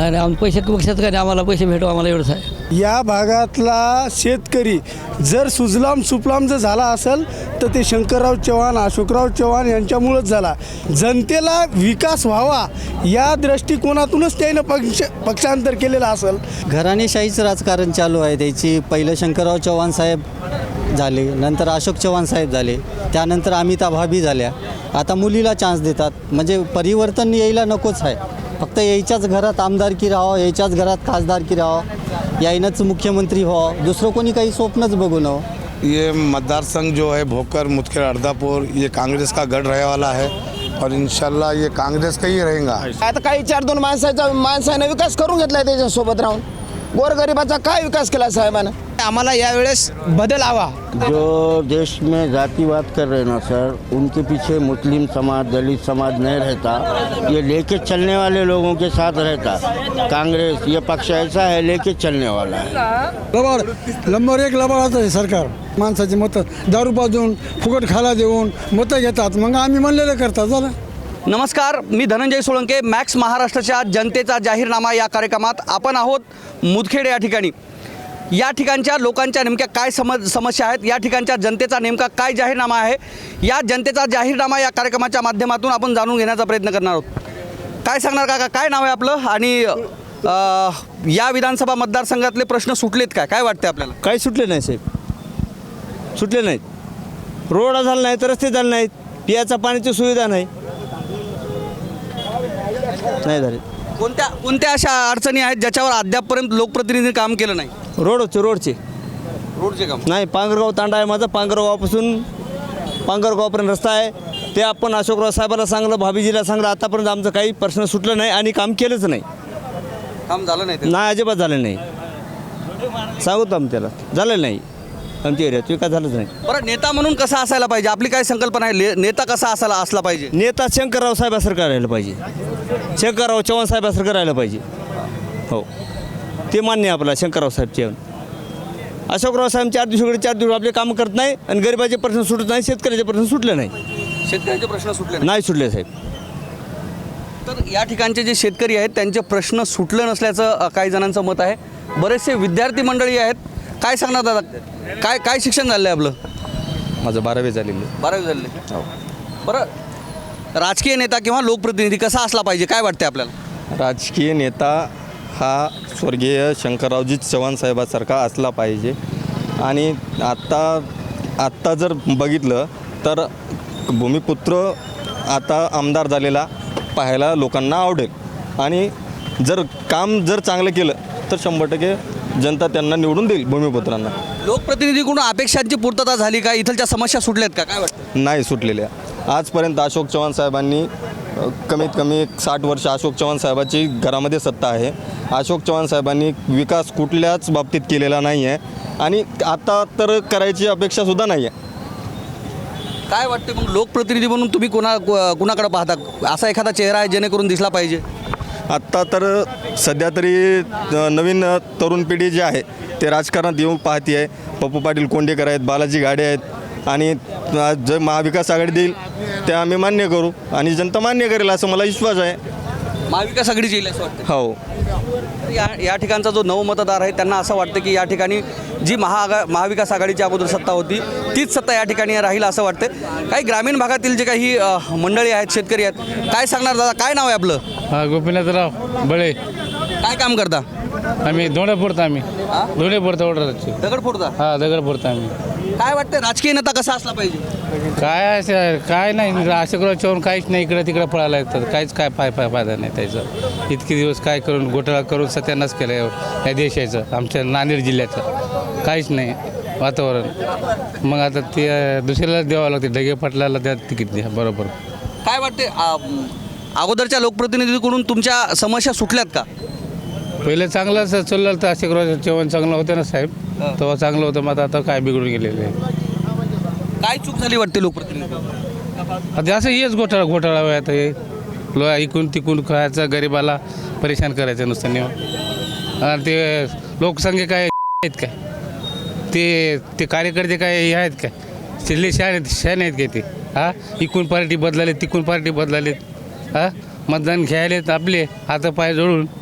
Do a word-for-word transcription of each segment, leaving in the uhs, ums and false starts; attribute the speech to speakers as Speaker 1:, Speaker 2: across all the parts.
Speaker 1: नाही नाही आम पैसे पक्षात काय नाही, आम्हाला पैसे भेटू आम्हाला एवढंच आहे.
Speaker 2: या भागातला शेतकरी जर सुजलाम सुफलाम जर झाला असेल तर ते शंकरराव चव्हाण अशोकराव चव्हाण यांच्यामुळंच झाला. जनतेला विकास व्हावा या दृष्टिकोनातूनच त्यानं पक्ष पक्षांतर केलेलं असेल.
Speaker 3: घराणेशाहीचं राजकारण चालू आहे त्याची. पहिलं शंकरराव चव्हाण साहेब झाले, नंतर अशोक चव्हाण साहेब झाले, त्यानंतर अमिता भाभी झाल्या. आता मुलीला चान्स देतात, म्हणजे परिवर्तन यायला नकोच आहे. फक्त यायच्याच घरात आमदारकी राहावं, यायच्याच घरात खासदारकी राहावं, यायनंच मुख्यमंत्री व्हावं, दुसरं कोणी काही स्वप्नच बघू नवं.
Speaker 4: ये मतदार संघ जो है भोकर मुदखेड़ अर्धापुर ये कांग्रेस का गढ़ रहने वाला है और इंशाल्लाह ये कांग्रेस का ही रहेगा.
Speaker 5: आता काही चार दोन माणसाचा माणसाने विकास करून घेतलाय त्याच्यासोबत राहून. गोरगरिबाचा काय विकास केला साहेबांना. आम्हाला यावेळेस बदल हवा.
Speaker 6: जो देश में जातिवाद कर रहे हैं ना सर, उनके पीछे मुस्लिम समाज दलित समाज नहीं रहता. ये लेके चलने वाले लोगों के साथ रहता. कांग्रेस ये पक्ष ऐसा है लेके चलने वाला है.
Speaker 2: लबाड नंबर एक लबाडाचं आहे सरकार. माणसाची मतं दारू पाजून फुकट खायला देऊन मतं घेतात, मग आम्ही म्हणलेलं करतात. झालं.
Speaker 7: नमस्कार, मी धनंजय सोळंके. मॅक्स महाराष्ट्राच्या जनतेचा जाहीरनामा या कार्यक्रमात आपण आहोत मुदखेड या ठिकाणी. या ठिकाणच्या लोकांच्या नेमक्या काय समज समस्या आहेत, या ठिकाणच्या जनतेचा नेमका काय जाहीरनामा आहे, या जनतेचा जाहीरनामा या कार्यक्रमाच्या माध्यमातून आपण जाणून घेण्याचा प्रयत्न करणार आहोत. काय सांगणार काका, काय नाव आहे आपलं आणि या विधानसभा मतदारसंघातले प्रश्न सुटलेत काय, काय वाटते आपल्याला?
Speaker 8: काही सुटले नाही साहेब, सुटले नाहीत. रोड झाला नाही तर रस्ते झाले नाहीत, पियाचा पाण्याची सुविधा नाही नाही झाले.
Speaker 7: कोणत्या कोणत्या अशा अडचणी आहेत ज्याच्यावर अद्यापपर्यंत लोकप्रतिनिधींनी काम केलं नाही?
Speaker 8: रोडचे रोडचे
Speaker 7: रोडचे काम
Speaker 8: नाही. पांगरगाव तांडा आहे माझा, पांगरगावापासून पांगरगावपर्यंत रस्ता आहे. ते आपण अशोकराव साहेबांना सांगलं, भाभीजीला सांगलं, आतापर्यंत आमचं काही प्रश्न सुटलं नाही आणि काम केलंच नाही.
Speaker 7: काम झालं नाही ते?
Speaker 8: नाही, अजिबात झालं नाही. सांगतो आम्ही त्याला, झालं नाही. आमच्या एरियात विकास झालंच नाही.
Speaker 7: बरं, नेता म्हणून कसा असायला पाहिजे, आपली काय संकल्पना आहे? ले- नेता कसा असायला असला पाहिजे?
Speaker 8: नेता शंकरराव साहेबासारखं राहिलं पाहिजे, शंकरराव चव्हाण साहेबासारखं राहिलं पाहिजे. हो, ते मान्य आहे आपल्याला. शंकरराव साहेब चव्हाण, अशोकराव साहेब चार दिवसाकडे चार दिवस आपले कामं करत नाही आणि गरिबाचे प्रश्न सुटत नाही, शेतकऱ्याचे प्रश्न सुटले नाही.
Speaker 7: शेतकऱ्यांचे प्रश्न सुटले नाही?
Speaker 8: नाही सुटले साहेब.
Speaker 7: तर या ठिकाणचे जे शेतकरी आहेत त्यांचे प्रश्न सुटले नसल्याचं अ, काही जणांचं मत आहे. बरेचसे विद्यार्थी मंडळी आहेत. काय सांगणार दादा, काय काय शिक्षण झालं आहे आपलं?
Speaker 9: माझं बारावी झालेलं.
Speaker 7: बारावी झालेलं आहे. बरं, राजकीय नेता किंवा लोकप्रतिनिधी कसा असला पाहिजे, काय वाटते आपल्याला?
Speaker 9: राजकीय नेता हा स्वर्गीय शंकररावजी चव्हाण साहेबासारखा असला पाहिजे. आणि आत्ता आत्ता जर बघितलं तर भूमिपुत्र आता आमदार झालेला पाहायला लोकांना आवडेल. आणि जर काम जर चांगलं केलं तर शंभर टक्के जनता त्यांना निवडून देईल भूमिपुत्रांना.
Speaker 7: लोकप्रतिनिधीकडून अपेक्षांची पूर्तता झाली का? इथलच्या समस्या सुटल्यात का, काय वाटतं?
Speaker 9: नाही सुटलेल्या. आजपर्यंत अशोक चव्हाण साहेबांनी अ, कमीत कमी साठ वर्ष अशोक चव्हाण साहेबाची घरामध्ये सत्ता आहे. अशोक चव्हाण साहेबांनी विकास कुठल्याच बाबतीत केलेला नाही आहे आणि आता तर करायची अपेक्षासुद्धा नाही आहे.
Speaker 7: काय वाटते मग, लोकप्रतिनिधी म्हणून तुम्ही कोणा को- कुणाकडे पाहता? असा एखादा चेहरा आहे जेणेकरून दिसला पाहिजे?
Speaker 9: आत्ता तर सध्या तरी अ, नवीन अ, तरुण पिढी जी आहे ते राजकारणात येऊन पाहती आहे. पप्पू पाटील कोंडेकर आहेत, बालाजी घाडे आहेत आणि अ, जे महाविकास आघाडी देईल ते आम्ही मान्य करू आणि जनता मान्य करेल असं मला विश्वास आहे.
Speaker 7: महाविकास आघाडीची येईल असं वाटतं?
Speaker 9: हो.
Speaker 7: या या ठिकाणचा जो नवमतदार आहे त्यांना असं वाटतं की या ठिकाणी जी महाआघा महाविकास आघाडीची अगोदर सत्ता होती तीच सत्ता या ठिकाणी राहील असं वाटतं. काही ग्रामीण भागातील जे काही अ, मंडळी आहेत, शेतकरी आहेत, काय सांगणार दादा, काय नाव आहे आपलं?
Speaker 10: हा, गोपीनाथराव बळे.
Speaker 7: काय काम करता?
Speaker 10: आम्ही दोडे फोडतो. आम्ही दोडे फोडतो ऑर्डरचे.
Speaker 7: दगड फोडता?
Speaker 10: हा, दगड फोडतो आम्ही.
Speaker 7: काय वाटतं, राजकीय नेता कसा असला पाहिजे?
Speaker 10: काय असं काय नाही, अशोकराव चव्हाण काहीच नाही, इकडे तिकडे पळायला येतात, काहीच काय फाय फाय फायदा नाही त्याचा. इतके दिवस काय करून घोटाळा करून सत्यानाश केलं या देशाचं, आमच्या नांदेड जिल्ह्याचं काहीच नाही वातावरण. मग आता ते दुसऱ्याला द्यावं लागते, ढगे पाटलाला द्या तिकीट द्या. बरोबर.
Speaker 7: काय वाटते, अ, अगोदरच्या लोकप्रतिनिधीकडून तुमच्या समस्या सुटल्यात का?
Speaker 10: पहिलं चांगलं असं चाललं तर अशोकराव चव्हाण चांगलं होतं ना साहेब, तेव्हा चांगलं होतं. मग आता काय बिघडून गेलेलं आहे.
Speaker 7: काय चूक झाली वाटते लोकप्रतिनिधी?
Speaker 10: आता असं हेच घोटाळा घोटाळा आहे आता. हे लो इकून तिकून खायचं, गरिबाला परेशान करायचं नुसतं नेऊन. आणि ते लोकसंख्या काय आहेत काय, ते ते कार्यकर्ते काय हे आहेत काय, शिल्ले शहाणे शहाणे आहेत काय ते? हां, इकून पार्टी बदलाले, तिकून पार्टी बदलालेत. हां, मतदान घ्यायलेत आपले हातापाय जोडून.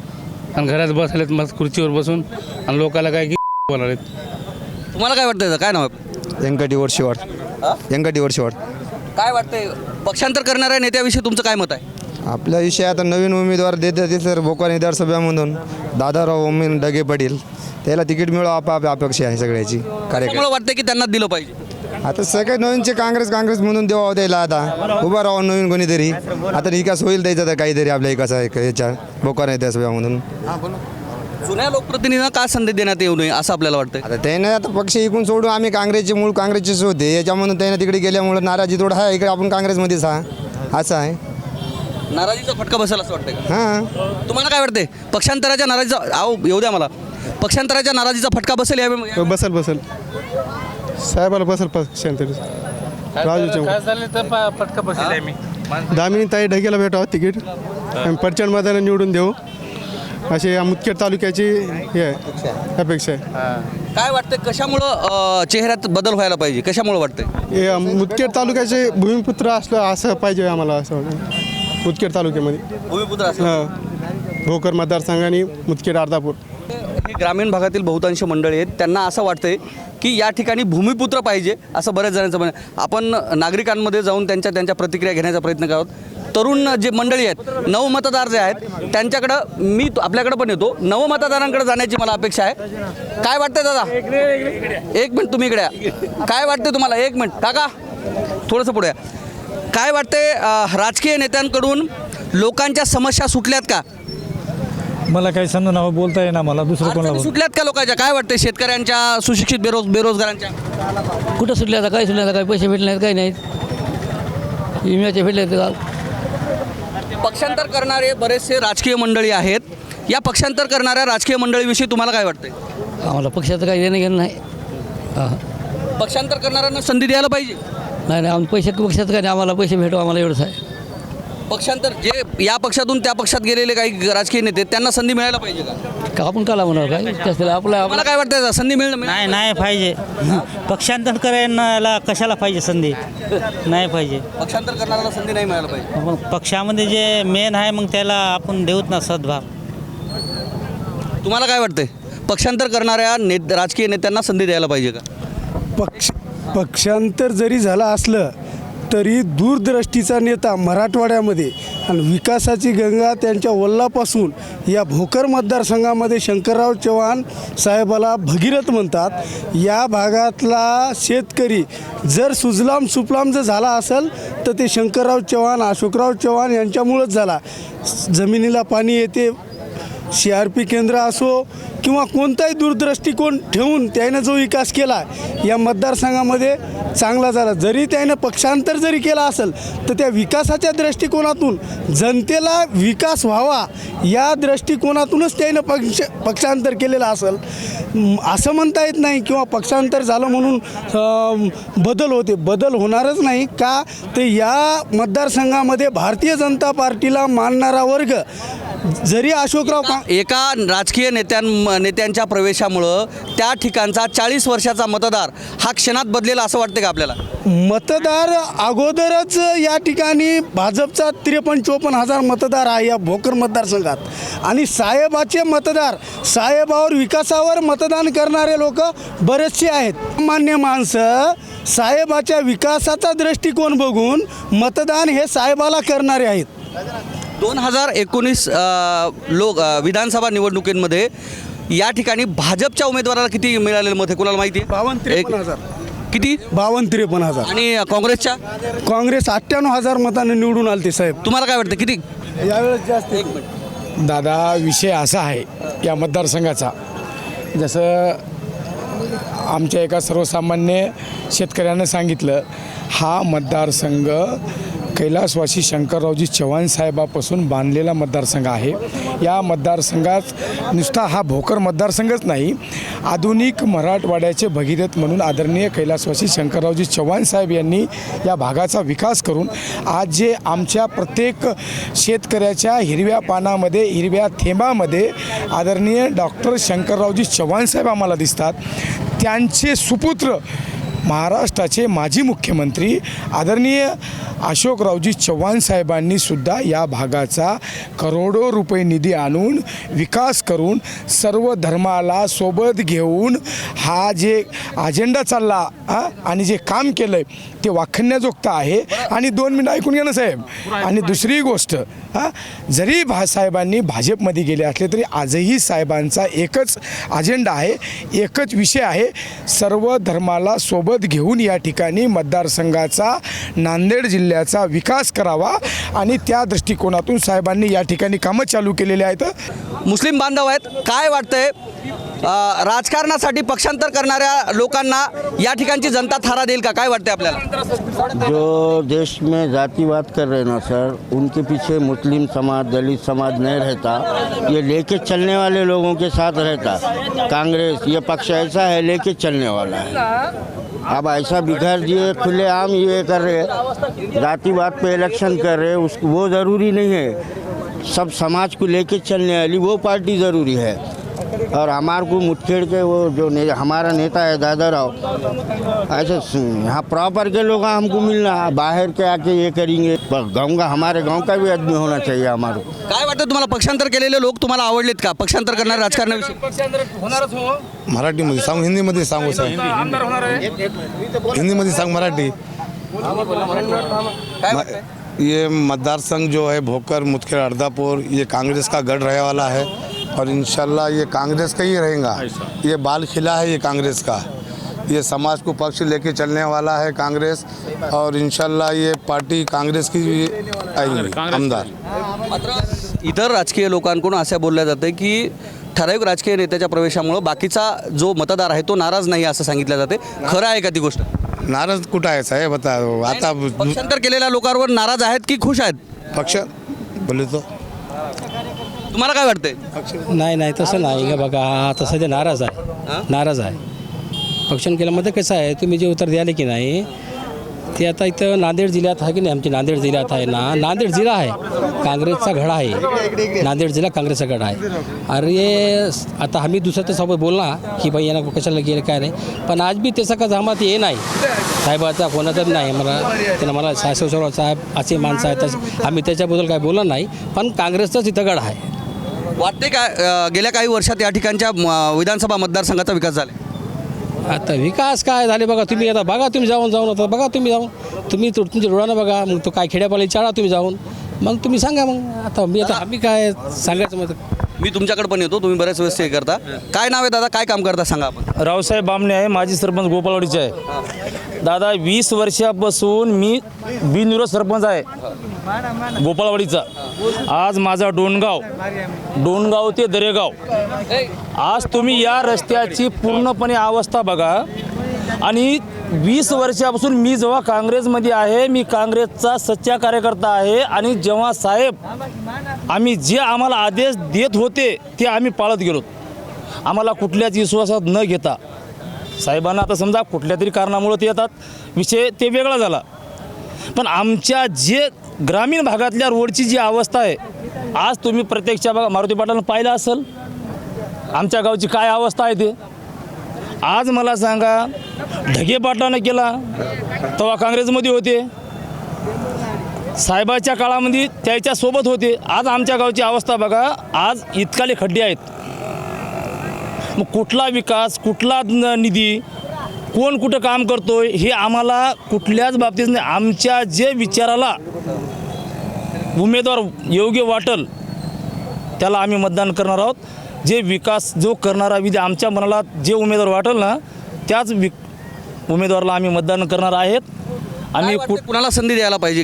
Speaker 10: आणि घरात बसलेत मस्त खुर्चीवर बसून आणि लोकांना काय की बोलालेत.
Speaker 7: तुम्हाला काय वाटतं काय नाव आहे?
Speaker 9: व्यंकटीवर शिवाड व्यंकटीवर शिवाड
Speaker 7: काय वाटतंय पक्षांतर करणाऱ्या नेत्याविषयी तुमचं काय मत आहे?
Speaker 9: आपल्या विषयी आता नवीन उमेदवार देत ते सर भोकर विधानसभेमधून दादाराव ओमीन डगे पाटील त्याला तिकीट मिळावं आप अपेक्षा आहे सगळ्याची कार्यक्रम.
Speaker 7: त्यामुळे वाटतं की त्यांना दिलं पाहिजे.
Speaker 9: आता सगळे नवीनचे काँग्रेस काँग्रेस म्हणून देवा द्यायला आता उभा राहावं नवीन कोणीतरी आता विकास होईल द्यायचा तर काहीतरी आपल्या विकास आहे याच्या भोकर विधानसभेमधून.
Speaker 7: जुन्या लोकप्रतिनिधींना का संधी देण्यात येऊ नये असं आपल्याला वाटतंय?
Speaker 9: आता त्याने आता पक्ष इकून सोडून आम्ही काँग्रेसचे मूळ काँग्रेसचेच होते याच्यामधून त्याने तिकडे गेल्यामुळे नाराजी थोडा आहे इकडे आपण काँग्रेसमध्येच हा असं आहे.
Speaker 7: नाराजीचा फटका बसेल असं वाटतंय का?
Speaker 9: हां
Speaker 7: तुम्हाला काय वाटतंय पक्षांतराच्या नाराजीचा आहो येऊ द्या मला पक्षांतराच्या नाराजीचा फटका बसेल यावेळी?
Speaker 2: बसल बसल साहेबाला बसल पक्षांतर राजू
Speaker 10: काय झालं तर प- पटका बसले मी
Speaker 2: दामिनी ताई ढगेला भेटावं तिकीट आणि प्रचंड मताने निवडून देऊ अशी या मुदखेड तालुक्याची हे आहे अपेक्षा आहे.
Speaker 7: काय वाटतंय कशामुळं अं, चेहऱ्यात बदल व्हायला पाहिजे कशामुळं वाटतंय?
Speaker 2: हे मुदखेड तालुक्याचे भूमिपुत्र असलं असं पाहिजे आम्हाला असं वाटतं मुदखेड तालुक्यामध्ये
Speaker 7: भूमिपुत्र असं
Speaker 2: हां भोकर मतदारसंघाने मुदखेड अर्धापूर
Speaker 7: हे ग्रामीण भागातील बहुतांश मंडळी आहेत त्यांना असं वाटतंय की या ठिकाणी भूमिपुत्र पाहिजे असं बऱ्याच जणांचं म्हणणं आहे. आपण नागरिकांमध्ये जाऊन त्यांच्या त्यांच्या प्रतिक्रिया घेण्याचा प्रयत्न करत तरुण जे मंडळी आहेत नवमतदार जे आहेत त्यांच्याकडं मी तो- आपल्याकडं पण येतो नवमतदारांकडे जाण्याची मला अपेक्षा आहे. काय वाटतंय दादा एक मिनिट तुम्ही इकडे या. काय वाटतंय तुम्हाला एक मिनिट काका थोडंसं पुढे या. काय वाटतंय अं, राजकीय नेत्यांकडून लोकांच्या समस्या सुटल्यात का?
Speaker 1: मला काही समजा नाव बोलता येईना मला दुसरं
Speaker 7: अडचणी सुटल्यात का लोकांच्या? काय वाटतंय शेतकऱ्यांच्या सुशिक्षित बेरोज बेरोजगारांच्या?
Speaker 1: कुठं सुटले आता काय सुटले आता काही पैसे भेटले नाहीत काही नाहीत विम्याचे भेटले का?
Speaker 7: पक्षांतर करणारे बरेचसे राजकीय मंडळी आहेत या पक्षांतर करणाऱ्या राजकीय मंडळीविषयी तुम्हाला काय वाटतंय?
Speaker 1: आम्हाला पक्षाचं काही देणं घेणं नाही. हां
Speaker 7: पक्षांतर करणाऱ्यांना संधी द्यायला पाहिजे.
Speaker 1: नाही नाही आम्ही पैसे पक्षाचं काही नाही आम्हाला पैसे भेटो आम्हाला एवढंच आहे.
Speaker 7: पक्षांतर जे या पक्षातून त्या पक्षात गेलेले काही राजकीय नेते त्यांना संधी मिळायला पाहिजे का?
Speaker 1: का आपण काला म्हणणार काय त्याला आपल्या
Speaker 7: तुम्हाला काय वाटतं संधी मिळणं
Speaker 11: नाही नाही पाहिजे पक्षांतर करायला कशाला पाहिजे संधी नाही पाहिजे.
Speaker 7: पक्षांतर करणाऱ्याला संधी नाही मिळायला पाहिजे.
Speaker 11: मग पक्षामध्ये जे मेन आहे मग त्याला आपण देऊत ना सद्भाव.
Speaker 7: तुम्हाला काय वाटतंय पक्षांतर करणाऱ्या ने राजकीय नेत्यांना संधी द्यायला पाहिजे का?
Speaker 2: पक्ष पक्षांतर जरी झालं असलं तरी दूरदृष्टीचा नेता मराठवाड्यामध्ये आणि विकासाची गंगा त्यांच्या वल्लापासून या भोकर मतदारसंघामध्ये शंकरराव चव्हाण साहेबाला भगीरथ म्हणतात. या भागातला शेतकरी जर सुजलाम सुफलाम जर झाला असेल तर ते शंकरराव चव्हाण अशोकराव चव्हाण यांच्यामुळंच झाला. जमिनीला पाणी येते सी आर पी केंद्र असो किंवा कोणताही दूरदृष्टिकोन ठेवून त्यानं जो विकास केला या मतदारसंघामध्ये चांगला झाला. जरी त्यानं पक्षांतर जरी केला असेल तर त्या विकासाच्या दृष्टिकोनातून जनतेला विकास व्हावा या दृष्टिकोनातूनच त्यानं पक्ष पक्षांतर केलेलं असेल. असं म्हणता येत नाही किंवा पक्षांतर झालं म्हणून अं, बदल होते बदल होणारच नाही का तर या मतदारसंघामध्ये भारतीय जनता पार्टीला मानणारा वर्ग जरी अशोकराव का
Speaker 7: एका राजकीय नेत्यां नेत्यांच्या प्रवेशामुळं त्या ठिकाणचा चाळीस वर्षाचा मतदार हा क्षणात बदलेला असं वाटतं का आपल्याला?
Speaker 2: मतदार अगोदरच या ठिकाणी भाजपचा त्रेपन्न चोपन्न हजार मतदार आहे या भोकर मतदारसंघात आणि साहेबाचे मतदार साहेबावर विकासावर मतदान करणारे लोक बरेचसे आहेत. सामान्य माणसं साहेबाच्या विकासाचा दृष्टिकोन बघून मतदान हे साहेबाला करणारे आहेत.
Speaker 7: दोन हजार एकोणीस लोक अ, विधानसभा निवडणुकींमध्ये या ठिकाणी भाजपच्या उमेदवाराला किती मिळालेलं मत आहे कोणाला माहिती आहे?
Speaker 2: बावन्न त्रेपन्न हजार
Speaker 7: किती?
Speaker 2: बावन्न त्रेपन्न हजार
Speaker 7: आणि काँग्रेसच्या
Speaker 2: काँग्रेस अठ्ठ्याण्णव हजार मतांनी निवडून आले ते साहेब.
Speaker 7: तुम्हाला काय वाटतं किती?
Speaker 2: यावेळेस जास्त
Speaker 12: दादा विषय असा आहे या मतदारसंघाचा जसं आमच्या एका सर्वसामान्य शेतकऱ्यानं सांगितलं हा मतदारसंघ कैलासवासी शंकररावजी चव्हाण साहेबापासून बांधलेला मतदारसंघ आहे. या मतदारसंघात नुसता हा भोकर मतदारसंघच नाही आधुनिक मराठवाड्याचे भगीरथ म्हणून आदरणीय कैलासवासी शंकररावजी चव्हाण साहेब यांनी या भागाचा विकास करून आज जे आमच्या प्रत्येक शेतकऱ्याच्या हिरव्या पानामध्ये हिरव्या थेंबामध्ये आदरणीय डॉक्टर शंकररावजी चव्हाण साहेब आम्हाला दिसतात. त्यांचे सुपुत्र महाराष्ट्राचे माजी मुख्यमंत्री आदरणीय अशोकरावजी चव्हाण साहेबांनी सुद्धा या भागाचा करोडो रुपये निधी आणून विकास करून सर्व धर्माला सोबत घेऊन हा जे अजेंडा चालला हा आणि जे काम केलं आहे ते वाखण्याजोगतं आहे. आणि दोन मिनिटं ऐकून घ्या ना साहेब. आणि दुसरी गोष्ट हां, जरी भा साहेबांनी भाजपमध्ये गेले असले तरी आजही साहेबांचा एकच अजेंडा आहे, एकच विषय आहे, सर्व धर्माला सोबत घेऊन या ठिकाणी मतदारसंघाचा नांदेड जिल्ह्याचा विकास करावा. आणि त्या दृष्टिकोनातून साहेबांनी या ठिकाणी कामं चालू केलेली आहेत.
Speaker 7: मुस्लिम बांधव आहेत, काय वाटतंय अ, राजकारणासाठी पक्षांतर करणाऱ्या लोकांना या ठिकाणची जनता थारा देईल का? काय वाटतंय आपल्याला?
Speaker 6: जो देश में जातिवाद कर रहे हैं ना सर, उनके पीछे मुस्लिम समाज दलित समाज नहीं रहता, ये लेके चलने वाले लोगों के साथ रहता. कांग्रेस ये पक्ष ऐसा है लेके चलने वाला है. अब ऐसा बिखर दिए खुलेआम ये कर रहे, जातिवाद पे इलेक्शन कर रहे, उस वो ज़रूरी नहीं है. सब समाज को लेके चलने वाली वो पार्टी ज़रूरी है. और हमारे को मुठखेड़ के वो जो ने, हमारा नेता है दादा राव, ऐसे यहाँ प्रॉपर के लोग हमको मिलना, बाहर के आके ये करेंगे. गाँव का हमारे गांव का भी आदमी होना चाहिए हमारे को.
Speaker 7: काय वाटतं तुम्हाला? पक्षांतर केलेले लोक तुम्हाला आवडलेत का? पक्षांतर करणारे राजकारणाविषयी
Speaker 4: मराठीमध्ये सांगू हिंदीमध्ये सांगू साहेब? हिंदीमध्ये सांग मराठी. ये मतदार संघ जो है भोकर मुदखेड़ अर्दापुर ये कांग्रेस का गढ़ रहने वाला है और इंशाल्लाह ये कांग्रेस का ही रहेगा. ये बाल खिला है ये कांग्रेस का. ये समाज को पक्ष लेके चलने वाला है कांग्रेस और इंशाल्लाह ये पार्टी कांग्रेस की आएगी आमदार.
Speaker 7: इतर राजकीय लोकांकडून असं बोललं जातं की ठराविक राजकीय नेत्याच्या प्रवेशामुळं बाकीचा जो मतदार आहे तो नाराज नाही असं सांगितलं जाते. खरं आहे का ती गोष्ट?
Speaker 4: नाराज कुठं आहे साहेब? आता आता
Speaker 7: पक्षांतर केलेल्या लोकांवर नाराज आहेत की खुश आहेत?
Speaker 4: पक्ष बोले तो
Speaker 7: तुम्हाला काय वाटतंय?
Speaker 1: नाही नाही तसं नाही का बघा. आता सध्या नाराज आहे, नाराज आहे. पक्षांतर केल्यामध्ये कसं आहे, तुम्ही जे उत्तर द्याले की नाही ते आता इथं नांदेड जिल्ह्यात आहे की नाही, आमच्या नांदेड जिल्ह्यात आहे ना, नांदेड जिल्हा आहे काँग्रेसचा गढा आहे. नांदेड जिल्हा काँग्रेसचा गढा आहे. अरे आता आम्ही दुसरं तर सोबत बोलला की बाई यांना कशाला गेलं काय नाही, पण आज बी त्याचा का जमात ये नाही साहेबाचा कोणाचा नाही. मला त्यांना मला साहेब साहेब असे माणसं आहेत तसे आम्ही त्याच्याबद्दल काय बोललं नाही, पण काँग्रेसचाच इथं गढा आहे.
Speaker 7: वाटते का अ, गेल्या काही वर्षात या ठिकाणच्या म, विधानसभा मतदारसंघाचा विकास झाला?
Speaker 1: आता विकास काय झाले बघा तुम्ही. आता बघा तुम्ही जाऊन जाऊन आता बघा तुम्ही जाऊन तुम्ही तो तुमच्या डोळ्यानं बघा. मग तो काय खेड्यापाली चाळा तुम्ही जाऊन, मग तुम्ही सांगा. मग आता मी आता आम्ही काय सांगायचं मग.
Speaker 7: मी तुमच्याकडे पण येतो, तुम्ही बऱ्याच वेळेस हे करता. काय नाव आहे दादा, काय काम करता सांगा आपण?
Speaker 8: रावसाहेब बामणे आहे, माजी सरपंच गोपाळवाडीचे आहे. दादा वीस वर्षापासून मी बिनविरोध सरपंच आहे गोपाळवाडीचा. आज माझा डोणगाव डोणगाव ते दरेगाव. आज तुम्ही या रस्त्याची पूर्णपणे अवस्था बघा. आणि वीस वर्षापासून मी जेव्हा काँग्रेसमध्ये आहे, मी काँग्रेसचा सच्चा कार्यकर्ता आहे. आणि जेव्हा साहेब आम्ही जे आम्हाला आदेश देत होते ते आम्ही पाळत गेलो. आम्हाला कुठल्याच विश्वासात न घेता साहेबांना आता समजा कुठल्या तरी कारणामुळे ते येतात, विषय ते वेगळा झाला. पण आमच्या जे ग्रामीण भागातल्या रोडची जी अवस्था आहे, आज तुम्ही प्रत्यक्ष बघा, मारुती पाटलांना पाहिलं असेल आमच्या गावची काय अवस्था आहे ते. आज मला सांगा, ढगे पाटलानं केला तेव्हा काँग्रेसमध्ये होते, साहेबाच्या काळामध्ये त्याच्यासोबत होते. आज आमच्या गावची अवस्था बघा, आज इतकाले खड्डे आहेत. मग कुठला विकास, कुठला न- निधी, कोण कुठं काम करतोय हे आम्हाला कुठल्याच बाबतीत नाही. आमच्या जे विचाराला उमेदवार योग्य वाटेल त्याला आम्ही मतदान करणार आहोत. जे विकास जो करणारा विधी आमच्या मनाला जे उमेदवार वाटेल ना त्याच वि उमेदवाराला आम्ही मतदान करणार आहेत. आम्ही
Speaker 7: काय वाटतं, कुणाला संधी द्यायला पाहिजे?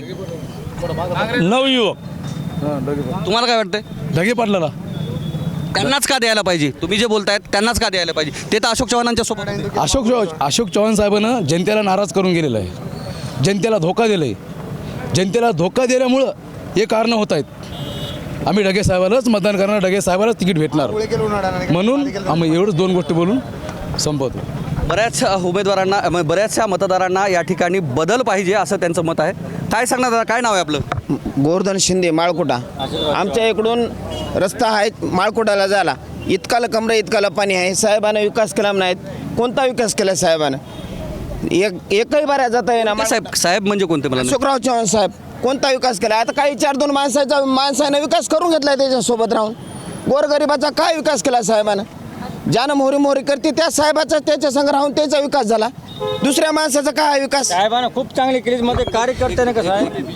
Speaker 8: नवयुवक.
Speaker 7: तुम्हाला काय वाटतंय?
Speaker 12: ढगे पाटलाला
Speaker 7: त्यांनाच का द्यायला पाहिजे? तुम्ही जे बोलतायत त्यांनाच का द्यायला पाहिजे? ते तर अशोक चव्हाणांच्या सोबत आहे.
Speaker 12: अशोक अशोक चव्हाण साहेबांनं जनतेला नाराज करून गेलेलं आहे, जनतेला धोका दिलं आहे. जनतेला धोका दिल्यामुळं हे कारणं होत आहेत. आम्ही ढगे साहेबालाच मतदान करणार, ढगे साहेबालाच तिकीट भेटणार, म्हणून आम्ही एवढंच दोन गोष्टी बोलून संपवतो.
Speaker 7: बऱ्याच उमेदवारांना म- बऱ्याचशा मतदारांना या ठिकाणी बदल पाहिजे असं त्यांचं मत आहे. काय सांगणार दादा, काय नाव आहे आपलं?
Speaker 5: गोवर्धन शिंदे, माळकुटा. आमच्या इकडून रस्ता आहे माळकुटाला जायला, इतकाला कमरे इतकाला पाणी आहे. साहेबानं विकास केला नाहीत. कोणता विकास केला साहेबानं? एक एकही बाऱ्या जाता येणार
Speaker 7: साहेब साहेब म्हणजे कोणते मला नाही.
Speaker 5: अशोकराव चव्हाण साहेब कोणता विकास केला? आता काही चार दोन माणसाचा माणसाने विकास करून घेतलाय त्याच्यासोबत राहून. गोरगरिबाचा काय विकास केला साहेबानं? ज्यानं मोहरी मोहरी करते त्या साहेबाचा त्याच्या संग राहून त्याचा विकास झाला. दुसऱ्या माणसाचा काय विकास?
Speaker 8: साहेबांना खूप चांगली केली मध्ये कार्यकर्त्याने कसं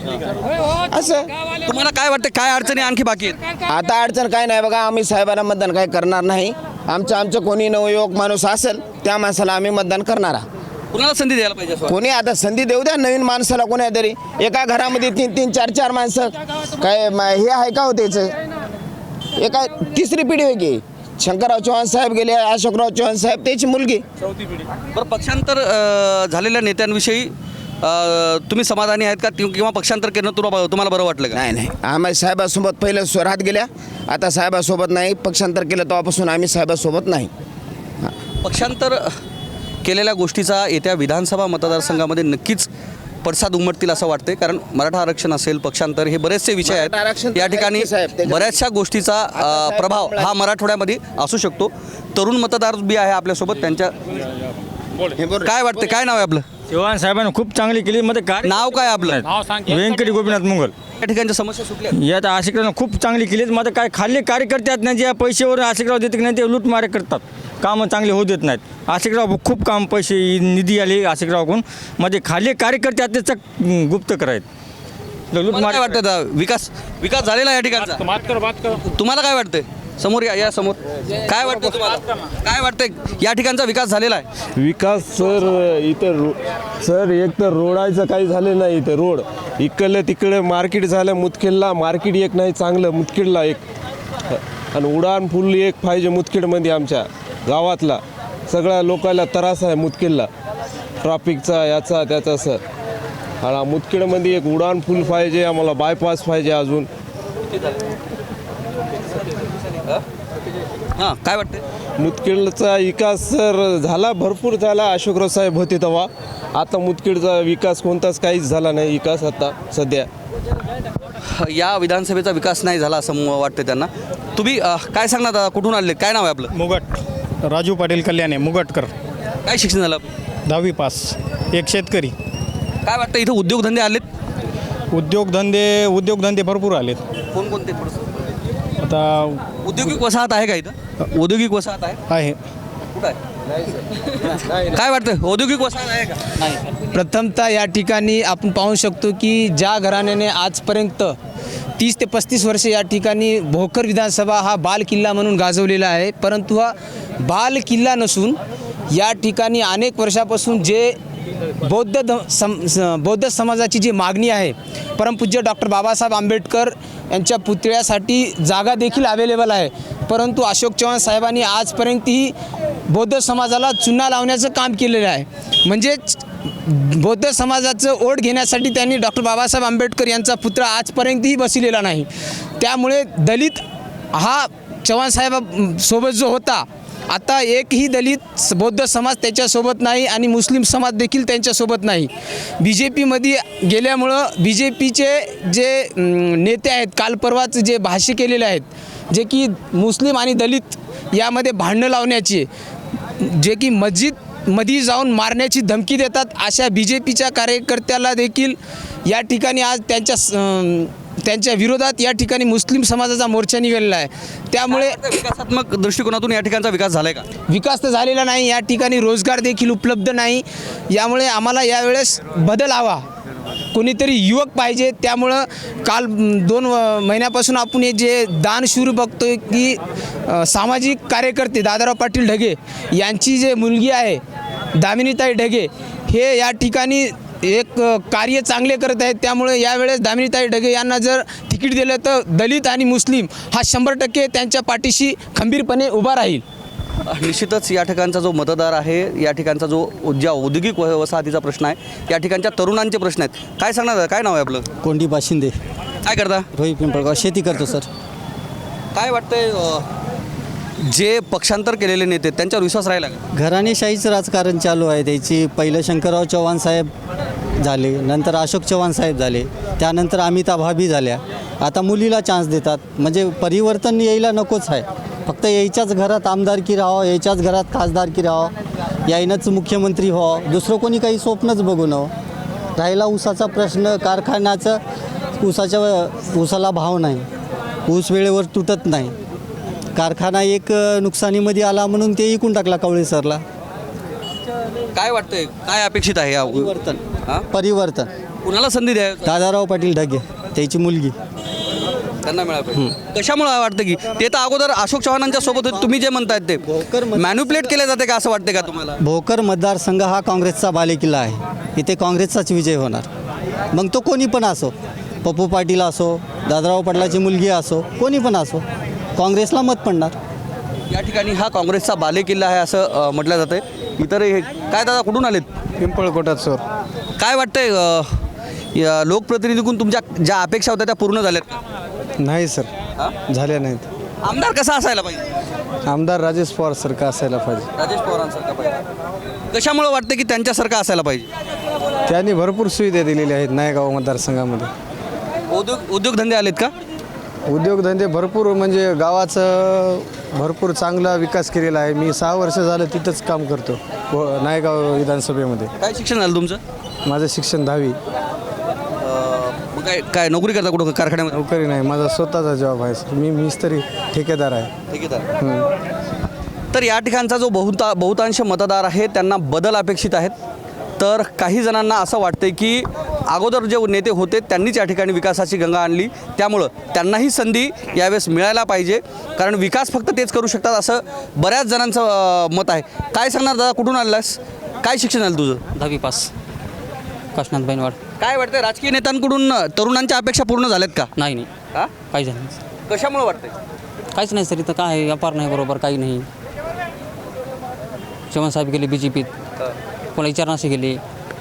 Speaker 8: आहे
Speaker 5: असं
Speaker 7: तुम्हाला काय वाटतं, काय अडचणी आणखी बाकी आहेत?
Speaker 5: आता अडचण काय नाही बघा. आम्ही साहेबांना मतदान काय करणार नाही. आमचं आमचं कोणी नवयुवक माणूस असेल त्या माणसाला आम्ही मतदान करणार आहोत.
Speaker 7: कुणाला संधी द्यायला पाहिजे असं वाटतं?
Speaker 5: कोणी आता संधी देऊ द्या नवीन माणसाला कोणी तरी. एका घरामध्ये तीन तीन चार चार माणसं काय म- हे आहे का हो त्याचं? एका तिसरी पिढी होय की. शंकरराव चव्हाण साहेब गेले, अशोकराव चव्हाण साहेब त्याची मुलगी.
Speaker 7: बरं, पक्षांतर अ, झालेल्या नेत्यांविषयी अ, तुम्ही समाधानी आहेत का कि- किंवा पक्षांतर केलं तुला तुम्हाला बरं वाटलं का?
Speaker 5: नाही नाही आम्ही साहेबासोबत पहिलं स्वरात गेल्या, आता साहेबासोबत नाही. पक्षांतर केलं तेव्हापासून आम्ही साहेबासोबत नाही.
Speaker 7: पक्षांतर केलेल्या गोष्टीचा येत्या विधानसभा मतदारसंघामध्ये नक्कीच पडसाद उमटतील असं वाटते. कारण मराठा आरक्षण असेल, पक्षांतर हे बरेचसे विषय
Speaker 5: मराठा आरक्षण
Speaker 7: आहेत.
Speaker 5: तर
Speaker 7: या ठिकाणी
Speaker 5: आहे साहेब, त्याच्यात-
Speaker 7: बऱ्याचशा गोष्टीचा अ,
Speaker 5: साहेब
Speaker 7: प्रभाव
Speaker 5: बोला.
Speaker 7: हा मराठवाड्यामध्ये असू शकतो. तरुण मतदार बी आहे आपल्यासोबत. त्यांच्या
Speaker 5: हे बरोबर.
Speaker 7: काय वाटते, काय नाव आहे आपलं?
Speaker 8: चव्हाण साहेबांनी खूप चांगली केली मध्ये कार्य
Speaker 7: नाव काय आपलं?
Speaker 8: व्यंकटी गोपीनाथ मुंगल
Speaker 7: या ठिकाणच्या समस्या सुटल्या?
Speaker 8: यात आशिकरावनं खूप चांगली केली. मध्ये काय खाल्ले कार्यकर्ते आहेत ना, जे पैशावर आशिकराव देते की नाही ते लूटमारे करतात, कामं चांगले होऊ देत नाहीत. आशिकराव खूप काम पैसे निधी आले आशिकरावकडून, मध्ये खाल्ले कार्यकर्ते आहेत ते चक गुप्त करायत
Speaker 7: तुम्हाला
Speaker 8: लूटमारे
Speaker 7: काय वाटतं आता? विकास विकास झालेला आहे या ठिकाणचा? तुम्हाला काय वाटतंय? समोर या, या समोर. काय वाटतं तुम्हाला? काय वाटतंय या ठिकाणचा विकास झालेला आहे?
Speaker 13: विकास सर इथं रो सर एक तर रोडाचं काही झालं नाही. इथं रोड इकडलं तिकडं मार्केट झालं. मुदखेडला मार्केट एक नाही चांगलं, मुदखेडला एक. आणि उडान पूल एक पाहिजे मुदखेडमध्ये. आमच्या गावातला सगळ्या लोकांना त्रास आहे मुदखेडला, ट्रॅफिकचा याचा त्याचा सर. आणि मुदखेडमध्ये एक उडान पूल पाहिजे आम्हाला, बायपास पाहिजे अजून.
Speaker 7: हां, काय वाटतं?
Speaker 13: मुदखेडचा विकास सर झाला, भरपूर झाला. अशोकराव साहेब होते तेव्हा. आता मुदखेडचा विकास कोणताच काहीच झाला नाही विकास आता सध्या.
Speaker 7: या विधानसभेचा विकास नाही झाला असं म- वाटतं त्यांना. तुम्ही अ, काय सांगणार दादा? कुठून आले? काय नाव आहे आपलं?
Speaker 14: मुगट राजू पाटील कल्याणे मुगटकर.
Speaker 7: काय शिक्षण झालं?
Speaker 14: दहावी पास. एक शेतकरी.
Speaker 7: काय वाटतं इथं उद्योगधंदे आलेत?
Speaker 14: उद्योगधंदे उद्योगधंदे भरपूर आलेत.
Speaker 7: कोणकोणते? थोडंसं
Speaker 14: आता
Speaker 7: औद्योगिक वसाहत आहे का इथं? औद्योगिक वसाहत आहे?
Speaker 14: आहे.
Speaker 7: कुठं आहे? काय वाटतं, औद्योगिक वसाहत आहे का?
Speaker 15: प्रथमतः या ठिकाणी आपण पाहू शकतो की ज्या घराण्याने आजपर्यंत तीस ते पस्तीस वर्षे या ठिकाणी भोकर विधानसभा हा बाल किल्ला म्हणून गाजवलेला आहे, परंतु हा बाल किल्ला नसून या ठिकाणी अनेक वर्षापासून जे बौद्ध ध सम स- बौद्ध समाजाची जी मागणी आहे, परमपूज्य डॉक्टर बाबासाहेब आंबेडकर यांच्या पुतळ्यासाठी जागा देखील अवेलेबल आहे, परंतु अशोक चव्हाण साहेबांनी आजपर्यंतही बौद्ध समाजाला चुना लावण्याचं काम केलेलं आहे. म्हणजेच बौद्ध समाजाचं ओढ घेण्यासाठी त्यांनी डॉक्टर बाबासाहेब आंबेडकर यांचा पुतळा आजपर्यंतही बसलेला नाही. त्यामुळे दलित हा चव्हाण साहेबासोबत जो होता, आता एकही दलित बौद्ध समाज त्याच्यासोबत नाही आणि मुस्लिम समाज देखील त्यांच्यासोबत नाही. बी जे पीमध्ये गेल्यामुळं बी जे पीचे जे अं, नेते आहेत, काल परवाच जे भाष्य केलेले आहेत, जे की मुस्लिम आणि दलित यामध्ये भांडणं लावण्याची, जे की मस्जिद मध्ये जाऊन मारण्याची धमकी देतात, अशा बी जे पीच्या कार्यकर्त्याला देखील या ठिकाणी आज त्यांच्या अं, त्यांच्या विरोधात या ठिकाणी मुस्लिम समाजाचा मोर्चा निघालेला आहे. त्यामुळे
Speaker 7: विकासात्मक दृष्टिकोनातून या ठिकाणचा विकास झालाय का?
Speaker 15: विकास तर झालेला नाही. या ठिकाणी रोजगार देखील उपलब्ध नाही. यामुळे आम्हाला यावेळेस बदल हवा, कोणीतरी युवक पाहिजे. त्यामुळं काल म, दोन व- महिन्यापासून आपण हे जे दानशूर बघतोय की अ, सामाजिक कार्यकर्ते दादाराव पाटील ढगे यांची जे मुलगी आहे दामिनीताई ढगे, हे या ठिकाणी एक अ, कार्य चांगले करत आहेत. त्यामुळे यावेळेस दामिनीताई ढगे यांना जर तिकीट दिलं तर दलित आणि मुस्लिम हा शंभर टक्के त्यांच्या पाठीशी खंबीरपणे उभा राहील.
Speaker 7: निश्चितच या ठिकाणचा जो मतदार आहे, या ठिकाणचा जो ज्या औद्योगिक व- वसाहतीचा प्रश्न आहे, या ठिकाणच्या तरुणांचे प्रश्न आहेत. काय सांगणार दादा? काय नाव आहे आपलं?
Speaker 3: कोंडी बाशिंदे.
Speaker 7: काय करता?
Speaker 3: रोहित पिंपळगाव. शेती करतो सर.
Speaker 7: काय वाटतंय, अ, जे पक्षांतर केलेले नेते आहेत, त्यांच्यावर विश्वास राहिला का?
Speaker 3: घराणेशाहीचं राजकारण चालू आहे त्याची. पहिलं शंकरराव चव्हाण साहेब झाले, नंतर अशोक चव्हाण साहेब झाले, त्यानंतर अमिता भाभी झाल्या. आता मुलीला चान्स देतात, म्हणजे परिवर्तन यायला नकोच आहे. फक्त यायच्याच घरात आमदारकी राहावं, यायच्याच घरात खासदारकी राहावं, यायनंच मुख्यमंत्री व्हावं, दुसरं कोणी काही स्वप्नच बघू नवं. राहिला ऊसाचा प्रश्न, कारखान्याचं ऊसाच्या ऊसाला भाव नाही, ऊस वेळेवर तुटत नाही. कारखाना एक नुकसानीमध्ये आला म्हणून ते इकून टाकला कवळे सरला.
Speaker 7: काय वाटतंय, काय अपेक्षित आहे या
Speaker 3: परिवर्तन
Speaker 7: हां
Speaker 3: परिवर्तन
Speaker 7: कुणाला संधी द्या
Speaker 3: दादाराव पाटील ढगे, त्याची मुलगी.
Speaker 7: त्यांना मिळालं पाहिजे. कशामुळे वाटतं की ते तर अगोदर अशोक चव्हाणांच्या सोबत होते, तुम्ही जे म्हणतायत ते मॅन्युप्लेट केले जाते का असं वाटते का तुम्हाला?
Speaker 3: भोकर मतदारसंघ हा काँग्रेसचा बालेकिल्ला आहे. इथे काँग्रेसचाच विजय होणार. मग तो कोणी पण असो, पप्पू पाटील असो, दादाराव पाटलाची मुलगी असो, कोणी पण असो, काँग्रेसला मत पडणार.
Speaker 7: या ठिकाणी हा काँग्रेसचा बालेकिल्ला आहे असं अ, म्हटलं जातं आहे. इतर हे काय दादा कुठून आलेत?
Speaker 14: पिंपळकोटात सर.
Speaker 7: काय वाटतंय अ, या लोकप्रतिनिधीकडून तुमच्या ज्या अपेक्षा होत्या त्या पूर्ण झाल्यात का?
Speaker 14: नाही सर, झाल्या नाहीत.
Speaker 7: आमदार कसा असायला पाहिजे?
Speaker 14: आमदार राजेश पवार सारखा असायला पाहिजे.
Speaker 7: राजेश पवारांसारखा पाहिजे. कशामुळे वाटतं की त्यांच्यासारखं असायला पाहिजे?
Speaker 14: त्यांनी भरपूर सुविधा दिलेल्या आहेत नायगाव मतदारसंघामध्ये.
Speaker 7: उद्योग उद्योगधंदे आलेत का?
Speaker 14: उद्योगधंदे भरपूर, म्हणजे गावाचं भरपूर चांगला विकास केलेला आहे. मी सहा वर्ष झालं तिथंच काम करतो व नायगाव विधानसभेमध्ये.
Speaker 7: काय शिक्षण झालं तुमचं?
Speaker 14: माझं शिक्षण दहावी.
Speaker 7: मग काय काय नोकरी करता कुठं कारखान्यामध्ये?
Speaker 14: नोकरी नाही, माझा स्वतःचा जॉब आहे. मी मिस्त्री ठेकेदार आहे.
Speaker 7: ठेकेदार. तर या ठिकाणचा जो बहुता बहुतांश मतदार आहे त्यांना बदल अपेक्षित आहेत. तर काही जणांना असं वाटतं की अगोदर जे नेते होते त्यांनीच या ठिकाणी विकासाची गंगा आणली, त्यामुळं त्यांनाही संधी यावेळेस मिळायला पाहिजे, कारण विकास फक्त तेच करू शकतात असं बऱ्याच जणांचं अ, मत आहे. काय सांगणार दादा, कुठून आलास, काय शिक्षण झालं तुझं?
Speaker 11: दहावी पास, काशनाथ बैनवाड.
Speaker 7: काय वाटतं राजकीय नेत्यांकडून तरुणांच्या अपेक्षा पूर्ण झाल्यात का?
Speaker 11: नाही नाही,
Speaker 7: हां,
Speaker 11: काही झालं नाही.
Speaker 7: कशामुळे वाटतंय?
Speaker 11: काहीच नाही सर, इथं काय व्यापार नाही बरोबर, काही नाही. चव्हाणसाहेब गेले बी जे पीत, कोणा विचारणाशी गेले.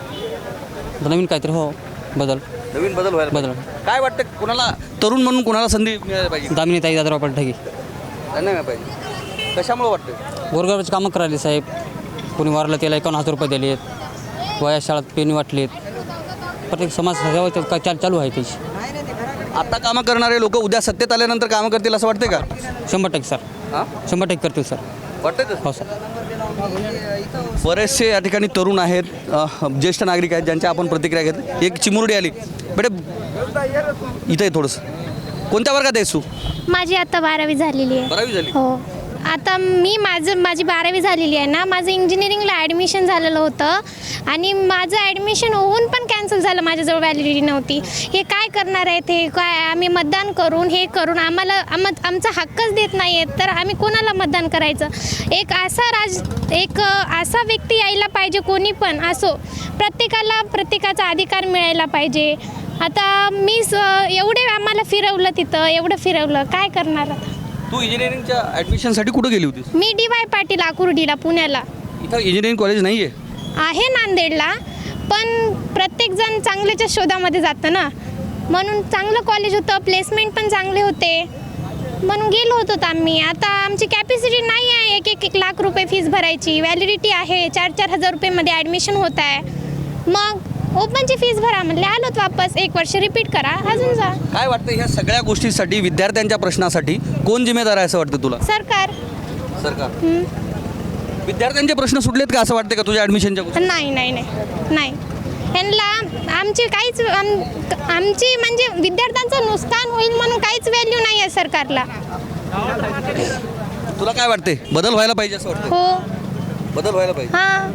Speaker 11: नवीन काहीतरी हो बदल,
Speaker 7: नवीन बदल व्हायला
Speaker 11: बदल.
Speaker 7: काय वाटतं कुणाला तरुण म्हणून कुणाला संधी मिळायला पाहिजे?
Speaker 11: दामिनी ताई, दादाराव पाटील ढगे.
Speaker 7: त्यांना मिळायला पाहिजे. कशामुळे वाटतं?
Speaker 11: गोरगरबाची कामं करायली साहेब. कोणी वारलं त्याला एकावन्न हजार रुपये दिलेत, वया शाळेत पेन वाटलेत, प्रत्येक समाज सेवा काय चाल चालू आहे त्याची.
Speaker 7: आता कामं करणारे लोक उद्या सत्तेत आल्यानंतर कामं करतील असं वाटते का?
Speaker 11: शंभर टक्के सर,
Speaker 7: हां,
Speaker 11: शंभर टक्के करतील सर.
Speaker 7: वाटतं
Speaker 11: हो सर.
Speaker 7: बरेचसे या ठिकाणी तरुण आहेत, अ, ज्येष्ठ नागरिक आहेत ज्यांच्या आपण प्रतिक्रिया घेतली. एक चिमुरडी आली बेटे, इथं आहे थोडंसं. कोणत्या वर्गात आहेस तू?
Speaker 16: माझी आता बारावी झालेली आहे.
Speaker 7: बारावी झाली.
Speaker 16: हो, आता मी माझं माझी बारावी झालेली आहे ना, माझं इंजिनिअरिंगला ॲडमिशन झालेलं होतं आणि माझं ॲडमिशन होऊन पण कॅन्सल झालं, माझ्याजवळ व्हॅलिडिटी नव्हती. हे काय करणार आहे ते काय, आम्ही मतदान करून हे करून आम्हाला आम आमचा हक्कच देत नाही आहेत, तर आम्ही कोणाला मतदान करायचं? एक असा राज एक असा व्यक्ती यायला पाहिजे, कोणी पण असो, प्रत्येकाला प्रत्येकाचा अधिकार मिळायला पाहिजे. आता मी स एवढे आम्हाला फिरवलं, तिथं एवढं फिरवलं, काय करणार आता?
Speaker 7: तू इंजिनिअरिंगच्या ॲडमिशनसाठी कुठं गेली होतीस?
Speaker 16: मी डी वाय पाटील आकुर्डीला, पुण्याला.
Speaker 7: इथं इंजिनिअरिंग कॉलेज नाही आहे?
Speaker 16: आहे नांदेडला, पण प्रत्येकजण चांगल्याच्या शोधामध्ये जातं ना, म्हणून चांगलं कॉलेज होतं, प्लेसमेंट पण चांगले होते, म्हणून गेलो होतो आम्ही. आता आमची कॅपॅसिटी नाही आहे एक एक एक लाख रुपये फीस भरायची, व्हॅलिडिटी आहे, चार चार हजार रुपयेमध्ये ॲडमिशन होत आहे. मग ओपनची फीस भरा म्हणले, आलोत वापस, एक वर्ष रिपीट करा, अजून जा.
Speaker 7: काय वाटतं ह्या सगळ्या गोष्टीसाठी, विद्यार्थ्यांच्या प्रश्नासाठी कोण जिम्मेदार आहे असं वाटतं तुला?
Speaker 16: सरकार.
Speaker 7: सरकार. विद्यार्थ्यांचे प्रश्न सुटलेत का असं वाटतं का तुझ्या ॲडमिशनच्या गोष्टी?
Speaker 16: नाही नाही नाही नाही, ह्यांना आमची काहीच आम आमची म्हणजे विद्यार्थ्यांचं नुकसान होईल म्हणून काहीच व्हॅल्यू नाही आहे सरकारला.
Speaker 7: तुला काय वाटते, बदल व्हायला पाहिजे असं वाटतं?
Speaker 16: हो,
Speaker 7: बदल व्हायला पाहिजे.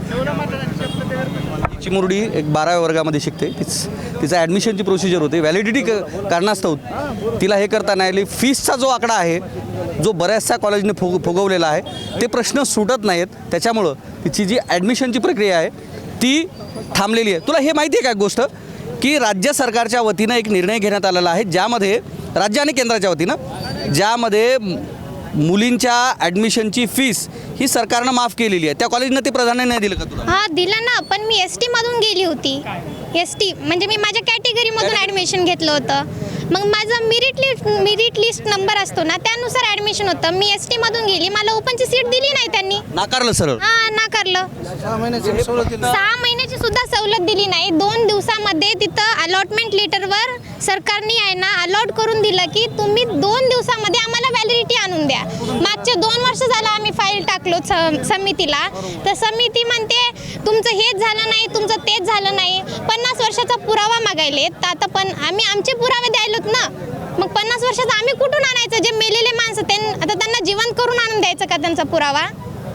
Speaker 16: हां.
Speaker 7: चिमुरडी एक बाराव्या वर्गामध्ये शिकते, तीच तिचा ॲडमिशनची प्रोसिजर होते, व्हॅलिडिटी क कारणास्तव तिला हे करता नाही आली. फीसचा जो आकडा आहे, जो बऱ्याचशा कॉलेजने फुग फुगवलेला आहे, ते प्रश्न सुटत नाहीत, त्याच्यामुळं तिची जी ॲडमिशनची प्रक्रिया आहे ती थांबलेली आहे. तुला हे माहिती आहे का गोष्ट, की राज्य सरकारच्या वतीनं एक निर्णय घेण्यात आलेला आहे, ज्यामध्ये राज्य आणि केंद्राच्या वतीनं ज्यामध्ये मुलींच्या ॲडमिशनची फीस ही सरकारनं माफ केलेली आहे. त्या कॉलेजनं ते प्राधान्य नाही दिलं का तुला?
Speaker 16: हां, दिलं ना, पण मी एस टीमधून गेली होती. एस टी म्हणजे मी माझ्या कॅटेगरीमधून ॲडमिशन घेतलं होतं. मग माझं merit list merit list number असतो ना त्यानुसार ॲडमिशन होतं. मी एस टीमधून गेली, मला ओपनची सीट दिली नाही त्यांनी,
Speaker 7: नाकारलं सरळ.
Speaker 16: हां नाकारलं.
Speaker 2: सहा महिन्याची सवलत दिली.
Speaker 16: सहा महिन्याची सुद्धा सवलत दिली नाही. दोन दिवसामध्ये तिथं अलॉटमेंट लेटरवर सरकारने आहे ना अलॉट करून दिलं की तुम्ही दोन दिवसामध्ये आम्हाला व्हॅलिडिटी आणून द्या. मागचे दोन वर्ष झालं आम्ही फाईल टाकलो स समितीला, तर समिती म्हणते तुमचं हेच झालं नाही, तुमचं तेच झालं नाही. पन्नास वर्षाचा पुरावा मागायलेत, तर आता पण आम्ही आमचे पुरावे द्यायलोत ना. मग पन्नास वर्षाचा आम्ही कुठून आणायचं? जे मेलेले माणसं त्यां आता त्यांना जिवंत करून आणून द्यायचं का त्यांचा पुरावा?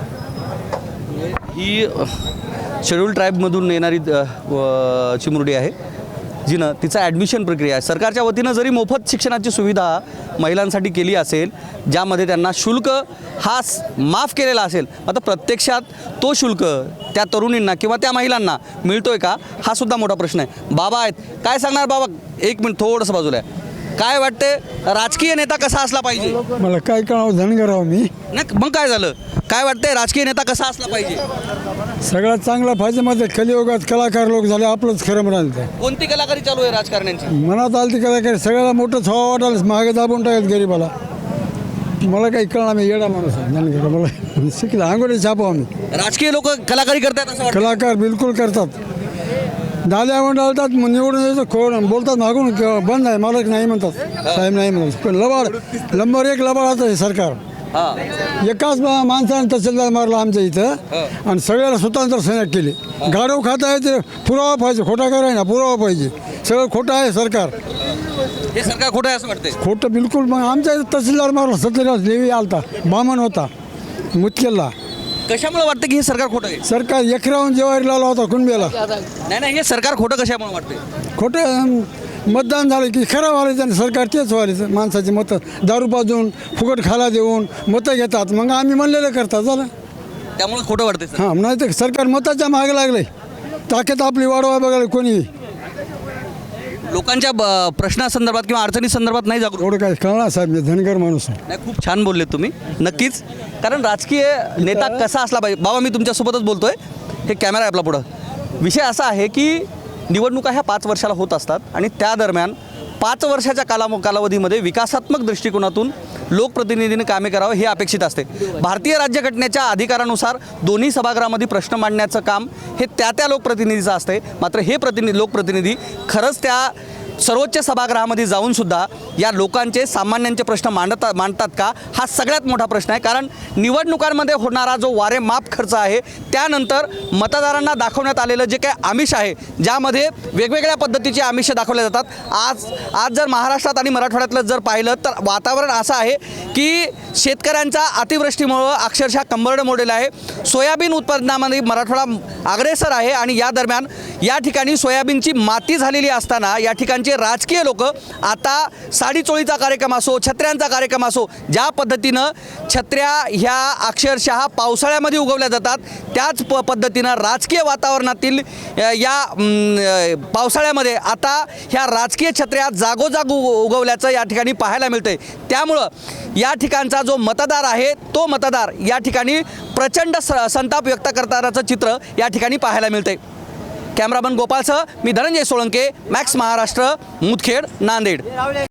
Speaker 7: ही शेड्यूल ट्राईबमधून येणारी अ, व- चिमुरडी आहे, जिनं तिचा ॲडमिशन प्रक्रिया आहे. सरकारच्या वतीनं जरी मोफत शिक्षणाची सुविधा महिलांसाठी केली असेल, ज्यामध्ये त्यांना शुल्क हा स- माफ केलेला असेल, आता प्रत्यक्षात तो शुल्क त्या तरुणींना किंवा त्या महिलांना मिळतोय का, हा सुद्धा मोठा प्रश्न आहे. बाबा आहेत, काय सांगणार बाबा? एक मिनिट थोडंसं बाजूला आहे. काय वाटते, राजकीय नेता कसा असला पाहिजे?
Speaker 12: मला काय कळावं, धनगर आहो मी.
Speaker 7: नाही मग काय झालं? काय वाटतंय, राजकीय नेता कसा असला पाहिजे?
Speaker 12: सगळ्यात चांगला पाहिजे मध्ये कलियुगात कलाकार लोक झाले, आपलंच खरं म्हणाल.
Speaker 7: कोणती कलाकारी चालू आहे राजकारण्यांची?
Speaker 12: मनात आलं ती कलाकार सगळ्याला मोठंच हवा वाटायला, मागे दाबून टाकत गरीबाला. मला काही कळणार, मी येडा माणूस आहे धनगर. मला शिकला अंगोडी छापा आम्ही.
Speaker 7: राजकीय लोक कलाकारी करतात असं वाटतं?
Speaker 12: कलाकार बिलकुल करतात. दाल्या मंडळतात, निवडून यायचं खोड बोलतात मागून क- बंद आहे, मालक नाही म्हणतात, साहेब नाही म्हणतात. पण लबाड नंबर एक लबाडाचं आहे सरकार. एकाच मा- माणसाने तहसीलदार मारला आमच्या इथं आणि सगळ्याला स्वतंत्र सैन्यात केले. गाडव खाता आहे ते पुरावा पाहिजे, खोटा कराय ना पुरावा पाहिजे. सगळं खोटं आहे सरकार,
Speaker 7: हे सरकार खोटं आहे असं वाटतंय?
Speaker 12: खोटं बिलकुल. मग आमच्या इथं तहसीलदार मारला, सत्यराज देवी आलता, बामण होता मुतकेलला.
Speaker 7: कशामुळे वाटतं की हे सरकार खोटं आहे?
Speaker 12: सरकार एकरावून जेवारी लावला होता कुणबेला.
Speaker 7: नाही नाही, हे सरकार खोटं कशामुळे वाटतंय?
Speaker 12: खोटं अं, मतदान झालं की खरं व्हायला त्याने सरकार तेच व्हायचं. माणसाची मतं दारू पाजून फुकट खाला देऊन मतं घेतात, मग आम्ही म्हणलेलं करतात झालं.
Speaker 7: त्यामुळे खोटं वाटतंय सर.
Speaker 12: हां, नाही तर सरकार मताच्या मागे लागले. ताकद आपली वाढवाय बघायला कोणी.
Speaker 7: लोकांच्या ब- प्रश्नासंदर्भात किंवा अडचणी संदर्भात नाही जागरूक.
Speaker 12: एवढं काय कळणार साहेब, मी धनगर माणूस आहे.
Speaker 7: नाही, खूप छान बोलले तुम्ही. नक्कीच, कारण राजकीय नेता कसा असला पाहिजे. बाबा मी तुमच्यासोबतच बोलतोय, हे कॅमेरा आहे आपला पुढं. विषय असा आहे की निवडणुका ह्या पाच वर्षाला होत असतात आणि त्या दरम्यान पाच वर्षाच्या काला कालावधीमध्ये विकासात्मक दृष्टिकोनातून लोकप्रतिनिधींनी कामे करावं हे अपेक्षित असते. भारतीय राज्यघटनेच्या अधिकारानुसार दोन्ही सभागृहामध्ये प्रश्न मांडण्याचं काम हे त्या त्या लोकप्रतिनिधीचं असते. मात्र हे प्रतिनिधी लोकप्रतिनिधी खरंच त्या सर्वोच्च सभागृहामध्ये जाऊन सुद्धा या लोकांचे सामान्यांचे प्रश्न मांडतात मांडतात का, हा सगळ्यात मोठा प्रश्न आहे. कारण निवडणुकांमध्ये होणारा जो वारेमाप खर्च आहे, त्यानंतर मतदारांना दाखवण्यात आलेलं जे काही आमिष आहे, ज्यामध्ये वेगवेगळ्या पद्धतीचे आमिष दाखवले जातात. आज आज जर महाराष्ट्रात आणि मराठवाड्यातलं जर पाहिलं तर वातावरण असं आहे की शेतकऱ्यांचा अतिवृष्टीमुळं अक्षरशः कंबरडं मोडलेलं आहे. सोयाबीन उत्पादनामध्ये मराठवाडा अग्रेसर आहे आणि या दरम्यान या ठिकाणी सोयाबीनची माती झालेली असताना या ठिकाणचे राजकीय लोक आता साडी चोळीचा कार्यक्रम असो, छत्र्यांचा कार्यक्रम असो, ज्या पद्धतीनं छत्र्या ह्या अक्षरशः पावसाळ्यामध्ये उगवल्या जातात, त्याच प पद्धतीनं राजकीय वातावरणातील अ, या अम, पावसाळ्यामध्ये आता ह्या राजकीय छत्र्या जागोजाग उग उगवल्याचं या ठिकाणी पाहायला मिळतंय. त्यामुळं या ठिकाणचा जो मतदार आहे, तो मतदार या ठिकाणी प्रचंड स संताप व्यक्त करतानाचं चित्र या ठिकाणी पाहायला मिळतंय. कॅमेरामन गोपाळसह मी धनंजय सोळंके, मॅक्स महाराष्ट्र, मुदखेड, नांदेड.